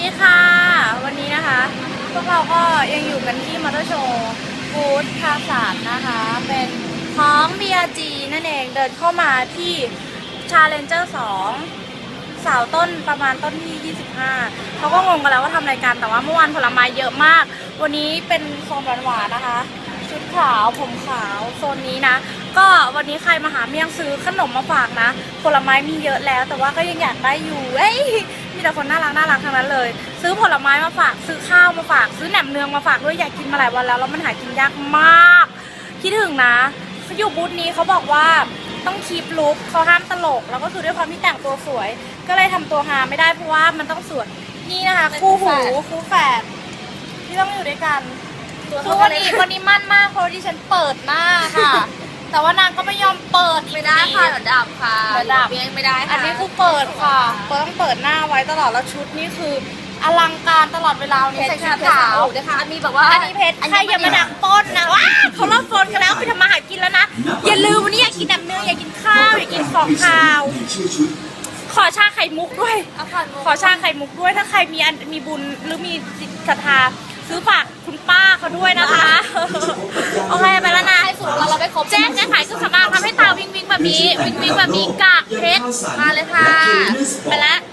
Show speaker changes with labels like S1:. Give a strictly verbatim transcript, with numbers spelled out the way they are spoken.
S1: ดีค่ะวันนี้นะคะพวกเราก็ยังอยู่กันที่มอเตอร์โชว์บูธคาสานนะคะเป็นของ บี อาร์ จี นั่นเองเดินเข้ามาที่ Challenger สองเสาต้นประมาณต้นที่ยี่สิบห้าเขาก็งงกันแล้วว่าทำรายการแต่ว่าเมื่อวานผลไม้เยอะมากวันนี้เป็นโซนหวานๆนะคะชุดขาวผมขาวโซนนี้นะก็วันนี้ใครมาหาเมี่ยงซื้อขนมมาฝากนะผลไม้มีเยอะแล้วแต่ว่าก็ยังอยากได้อยู่เอ้ยมีแต่คนน่ารักน่ารักทั้งนั้นเลยซื้อผลไม้มาฝากซื้อข้าวมาฝากซื้อแหนมเนืองมาฝากด้วยอยากกินมาหลายวันแล้วแล้วมันหากินยากมากคิดถึงนะเขาอยู่บูธนี้เขาบอกว่าต้องคีปลุคเขาห้ามตลกแล้วก็คือด้วยความที่แต่งตัวสวยก็เลยทำตัวฮาไม่ได้เพราะว่ามันต้องสวยนี่นะคะคู่หูคู่แฝดที่ต้องอยู่ด้วยกันคือวันนี้วันนี้มั่นมากเพราะที่ฉันเปิดหน้าค่ะแต่ว่านางก็ไม่ยอมเปิด
S2: ไม่ได้ค่ะเดี๋ยวดับค่ะ
S1: เดี๋ยวดับ
S2: ไม่ได้ค่ะ
S1: อันนี้คือเปิดค่ะเปิดต้องเปิดหน้าไว้ตลอดแล้วชุดนี่คืออลังการตลอดเวลานี่ใส่ชุดขาว
S2: นะคะมีแบบว่า
S1: อันนี้เพชรใครอย่ามาดักปล้นนะว้าเขาเริ่มปล้นกันแล้วไปทำมาหากินแล้วนะอย่าลืมวันนี้อยากกินน้ำเนื้ออยากกินข้าวอยากกินของข้าวขอชาไข่มุกด้วยขอชาไข่มุกด้วยถ้าใครมีมีบุญหรือมีศรัทธาซื้อฝากคุณป้าเขาด้วยนะคะโอเคไปแล้วนะ
S2: ให้สุดเราเราไปครบ
S1: แจ้งแจ้งขายเครื่องสำอางทำให้ตาวิ่งวิ่งแบบนี้วิ่งวิ่งแบบนี้กากเพชร
S2: มาเลยค่ะ
S1: ไปแล้ว